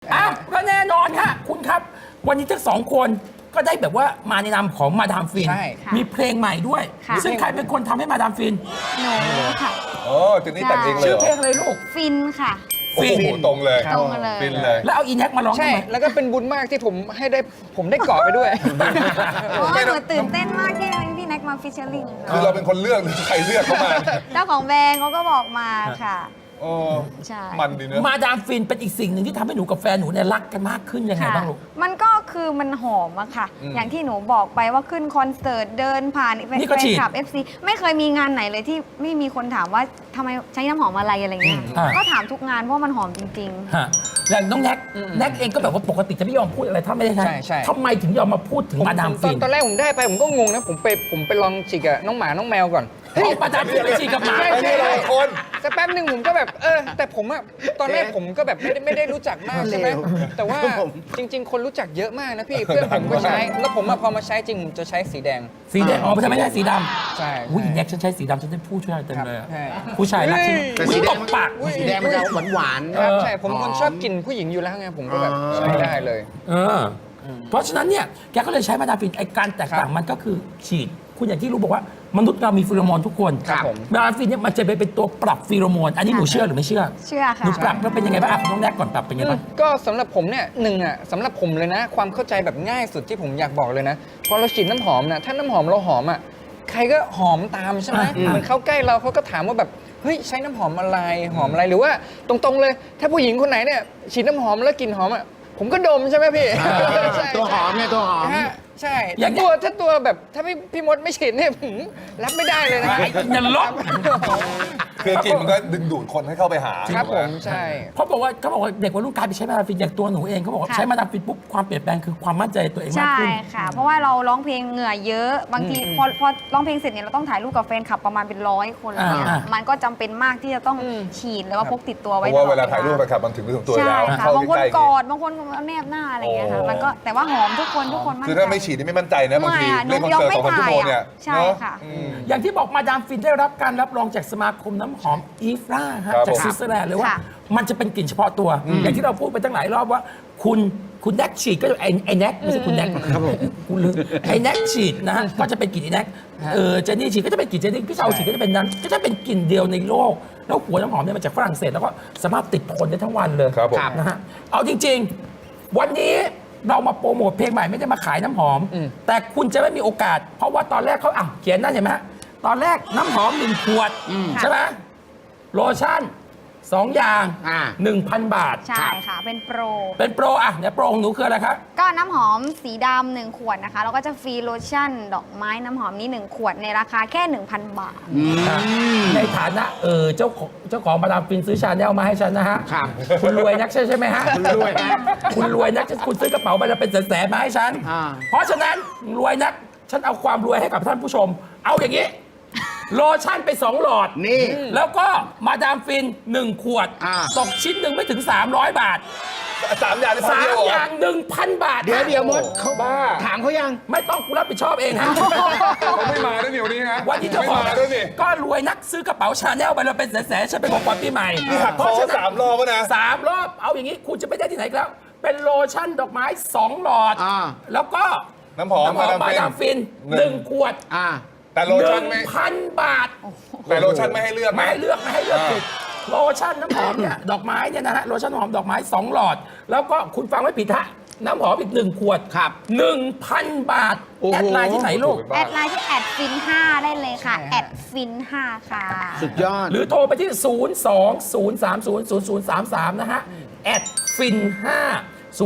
อ่ะก็แน่นอนฮะคุณครับ วันนี้ทั้งสองคนก็ได้แบบว่ามาในนามของมาดามฟินใช่มีเพลงใหม่ด้วยค่ะซึ่งใครเป็นคนทำให้มาดามฟินหนูค่ะโอ้เจนนี่แต่งเองเลยชื่อเหรอเพลงอะไรลูกฟินค่ะโอ้โหตรงเลยตรงเลยฟินเลยแล้วเอาอีแน็กมาร้องใช่ทำไมแล้วก็เป็นบุญมากที่ผมได้เกาะไปด้วยโอ้ยหนูตื่นเต้นมากที่พี่แน็กมาฟิชเชอร์ลิงคือเราเป็นคนเลือกหรือใครเลือกเข้ามาเจ้าของแบรนด์เขาก็บอกมาค่ะโอ้ใช่มันดีเนอะมาดามฟินเป็นอีกสิ่งหนึ่งที่ทำให้หนูกับแฟนหนูเนี่ยรักกันมากขึ้นยังไงค่ะบ้างลูกมันก็คือมันหอมอะค่ะ อย่างที่หนูบอกไปว่าขึ้นคอนเสิร์ตเดินผ่านแฟนนี่ก็ฉีดคลับ FC ไม่เคยมีงานไหนเลยที่ไม่มีคนถามว่าทำไมใช้น้ำหอมอะไรอะไรเงี้ย ก็ถามทุกงานเพราะว่ามันหอมจริงฮะอย่างน้องแน็กแน็กเองก็แบบว่าปกติจะไม่ยอมพูดอะไรถ้าไม่ได้ใช้ใช่ทำไมถึงยอมมาพูดถึงมาดามฟินตอนแรกผมได้ไปผมก็งงนะผมไปลองฉีกกับน้องหมาน้องแมวก่อนเอามาดามฟินไปฉีดกับหมาใช่ไม่ใช่หลายคนสักแป๊บหนึ่งผมก็แบบแต่ผมอะตอนแรกผมก็แบบไม่ได้รู้จักมากใช่ไหมแต่ว่าจริง ๆ คนรู้จักเยอะมากนะพี่เพื่อนผมก็ใช้แล้วผมอะพอมาใช้จริงผมจะใช้สีแดงสีแดงอ๋อไม่ใช่สีดำใช่อุ้ยแน็กฉันใช้สีดำฉันได้ผู้ช่วยเต็มเลยอะใช่ผู้ชายรักฉันแต่อุ๊ยสีแดตงบปากสีแดงมันจะหวานครับใช่ผมเป็นคนชอบกลิ่นผู้หญิงอยู่แล้วไงผมก็แบบใช้ได้เลยเออเพราะฉะนั้นเนี่ยแกก็เลยใช้มาดามฟินไอ้การแตกต่างมันก็คือฉีด คุณอย่างที่รู้บอกว่ามนุษย์เรามีฟีโรโมนทุกคนครับผมมาดามฟินเนี่ยมันจะไปเป็นตัวปรับฟีโรโมน อันนี้หนูเชื่อหรือไม่เชื่อๆ เชื่อหค่ะนูปรับแล้วเป็นยังไงบ้างอ่ะน้องแน็กก่อนปรับเป็นยังไงบ้างก็สำหรับผมเนี่ยสำหรับผมเลยนะ ความเข้าใจแบบง่ายสุดที่ผมอยากบอกเลยนะพอเราฉีดน้ำหอมนะถ้าน้ำหอมเราหอมอ่ะใครก็หอมตามใช่ไหมเหมันเข้าใกล้เราเขาก็ถามว่าแบบเฮ้ยใช้น้ำหอมอะไรหอมอะไรหรือว่าตรงๆเลย ถ้าผู้หญิงคนไหนเนี่ยฉีดน้ำหอมแล้วกลิ่นหอมอ่ะผมก็ดมใช่ไหมพี่ใช่ตัวหอมเนี่ยตัวหอมฮะใช่อย่างเงี้ยถ้าตัวแบบถ้าพี่มดไม่ฉีดเนี่ยผมรับไม่ได้เลยนะไอ้นรกคือกลิ่นมันก็ดึงดูดคนให้เข้าไปหาครับผมใช่เขาบอกว่าเด็กวัยรุ่นกลายไปใช้มาดามฟินอย่างตัวหนูเองเขาบอกว่าค่ะใช้มาดามฟินปุ๊บความเปลี่ยนแปลงคือความมั่นใจในตัวเองมากใช่ขึ้นค่ะ เพราะว่าเราร้องเพลงเหงื่อเยอะ บางทีพอร้องเพลงเสร็จเนี่ยเราต้องถ่ายรูปกับแฟนคลับประมาณเป็น100 คนอะไรเงี้ยอ่ามันก็จำเป็นมากที่จะต้องฉีดแล้วว่าพกติดตัวเพไว้ราะว่าตลอดเวลาถ่ายรูปไปขับมันถึงตัวใช่แล้วค่ะเข้าบางคนใกล้ๆกอดบางคนเอาแนบหน้าอะไรเงี้ยค่ะโอ้มันก็แต่ว่าหอมทุกคนมั่นใจคือถ้าไม่ฉีดนี่ไม่มั่นใจนะบางทีไม่อะเล่นคอนเสิร์ตหนู 2-3 ชั่วโมงเนี่ยใช่เนอค่ะอืมอย่างที่บอกมาดามฟินได้รับการรับรองจากสมาคมน้ำหอมอีฟราฮะครับจากผมสวิตเซอร์แลนด์เลยว่าค่ะมันจะเป็นกลิ่นเฉพาะตัว อย่างที่เราพูดไปตั้งหลายรอบว่าคุณแน็กฉีดก็จะไอ้แน็กไม่ใช่คุณแน็กครับผมคุณลืมไอ้แน็กฉีดนะฮะก็จะเป็นกลิ่นไอ้แน็กเจนนี่ฉีดก็จะเป็นกลิ่นเจนนี่พี่เชาฉีดก็จะเป็นนั้นก็จะเป็นกลิ่นเดียวในโลก แล้วหัวน้ำหอมเนี่ยมาจากฝรั่งเศสแล้วก็สามารถติดทนได้ทั้งวันเลยครับผมนะฮะเอาจริง ๆ วันนี้เรามาโปรโมทเพลงใหม่ไม่ได้มาขายน้ำหอม แต่คุณจะไม่มีโอกาส เพราะว่าตอนแรกเขาเขียนนั่นเห็นไหมฮะตอนแรกน้ำหอม1 ขวดใช่ไหมโลชั่น 2 อย่าง 1,000 บาทใช่ค่ะ เป็นโปรเป็นโปรอ่ะเดี๋ยวโปรของหนูคืออะไรครับก็น้ำหอมสีดำ1 ขวดนะคะ แล้วก็จะฟรีโลชั่น ดอกไม้น้ำหอมนี้ 1 ขวดในราคาแค่ 1,000 บาทในฐานะเจ้าของมาดามฟินซื้อชาแนลมาให้ฉันนะฮะครับคุณรวยนักใช่ไหมฮะคุณรวยนะคุณรวยนักคุณซื้อกระเป๋าใบละเป็นแสนๆมาให้ฉันอ่าเพราะฉะนั้นรวยนักฉันเอาความรวยให้กับท่านผู้ชม เอาอย่างนี้ โลชั่นไป 2 หลอดนี่แล้วก็มาดามฟิน 1 ขวด ตกชิ้นหนึ่งไม่ถึง 300 บาท 3 อย่างในพันเดียว 3 เหรอย่าง 1,000 บาทเดี๋ยวมดเขาบ้าถามเขายังไม่ต้องกูรับผิดชอบเองฮะเขาไม่มาด้วยเดี๋ยวนี้ฮะวันนี้เจ้าไม่ของมาด้วยนี่ก็รวยนักซื้อกระเป๋าชาแนลไปเราเป็นแสนๆฉันเป็นของขวัญปีใหม่นี่หักคอ3 รอบแล้วนะ 3 รอบเอาอย่างนี้คุณจะไม่ได้ที่ไหนอีกแล้ว เป็นโลชั่นดอกไม้ 2 หลอดอ่าแล้วก็น้ำหอมมาดามมาฟินดามฟิน 1 ขวดแต่โลชั่นไม่ 1,000 บาทแต่โลชั่นไม่ให้เลือกไม่นะให้เลือกผิดโลชั่นน้ำหอมเนี่ย ดอกไม้เนี่ยนะฮะโลชั่นน้ำหอมดอกไม้ 2 หลอด แล้วก็คุณฟังไม่ผิดฮะน้ำหอมอีก 1 ขวดครับ 1,000 บาทโอ้โหแอดไลน์ที่ไหนลูกแอดไลน์ที่แอดฟิน5ได้เลยค่ะ แอดฟิน5ค่ะสุดยอดหรือโทรไปที่ 020300033 นะฮะแอดฟิน5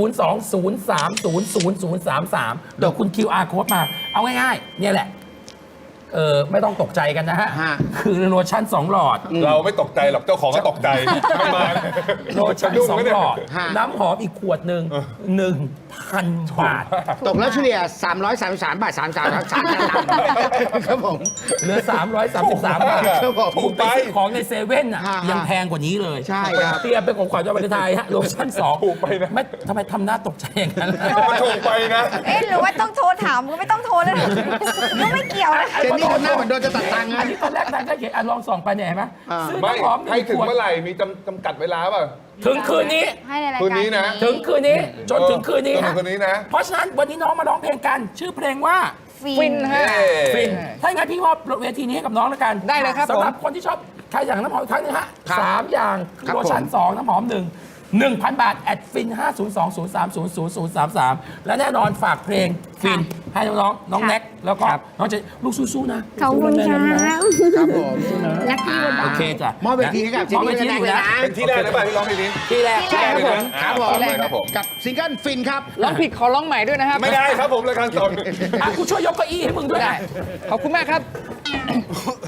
020300033 เดี๋ยวคุณ QR code มา เอาง่ายๆ เนี่ยแหละ ไม่ต้องตกใจกันนะฮะฮะคือโลชั่น 2 หลอดเราไม่ตกใจหรอกเจ้าของก็ตกใจไม่มาโลชั่นสะดุ้ง 2 ไหมเนี่หยลอดฮะน้ำหอมอีกขวดหนึ่ง 1,000 บาทตกแล้วเฉลี่ย333 บาท 33ครับผมเหลือ 333 บาทครับผมคุณไปซื้อของในเซเว่นอ่ะฮะยังแพงกว่านี้เลยใช่ครับเตรียมเป็นของขวัญวันวาเลนไทน์ฮะโลชั่น2 ถูกไปนะไม่ทำไมทำหน้าตกใจอย่างนั้นล่ะมันถูกไปนะเอ๊ะหรือว่าต้องโทรถามก็ไม่ต้องโทรเลยก็ไม่เกี่ยวนะเจนนี่ทำหน้าเหมือนโดนจะตัดตังค์อันนะนี้ตอนแรกนางก็เขียนลองส่องไปเนี่ยเห็นไหมอ่าซื้อไม่น้ำหอมให้ถึง 1 ขวดเมื่อไหร่มีจำกัดเวลาเปล่ะถึงคืนนี้ให้ในรายคืการนนี้นะถึงคืนนี้จนถึงคืนนี้จนถึฮะงคืนนี้นะเพราะฉะนั้นวันนี้น้องมาร้องเพลงกัน ชื่อเพลงว่าฟินฮะฟินถ้าอย่างนั้นพี่มอบเวทีนี้ให้กับน้องแล้วกันได้เลยครับสำหรับผมคนที่ชอบใครอย่างน้ำหอมอีกครั้งหนึงฮะครับ 3 อย่างครับโลชั่นผม 2 น้ำหอม 1,000 บาทแอดฟิน 502-030-0033 และแน่นอนฝากเพลงฟินให้น้องๆน้องแน็กแล้วก็น้องเจะลูกสู้ๆนะขอบคุณค่ะครับผมลัคกี้วันโอเคจ้ะมอบเวทีให้กับเจนมอบเวนี่ทีและให้แน็กหนูนะเลยนะเป็นที่แรกหรือเปล่าที่ร้องเพลงนี้ที่แรกที่แรกครับผมครับผมฝากเลยครับผมกับซิงเกิลฟินครับร้องผิดขอร้องใหม่ด้วยนะครับไม่ได้ครับผมรายการสดอ่ะกูช่วยยกเก้าอี้ให้มึงด้วยได้นะขอบคุณมากครับ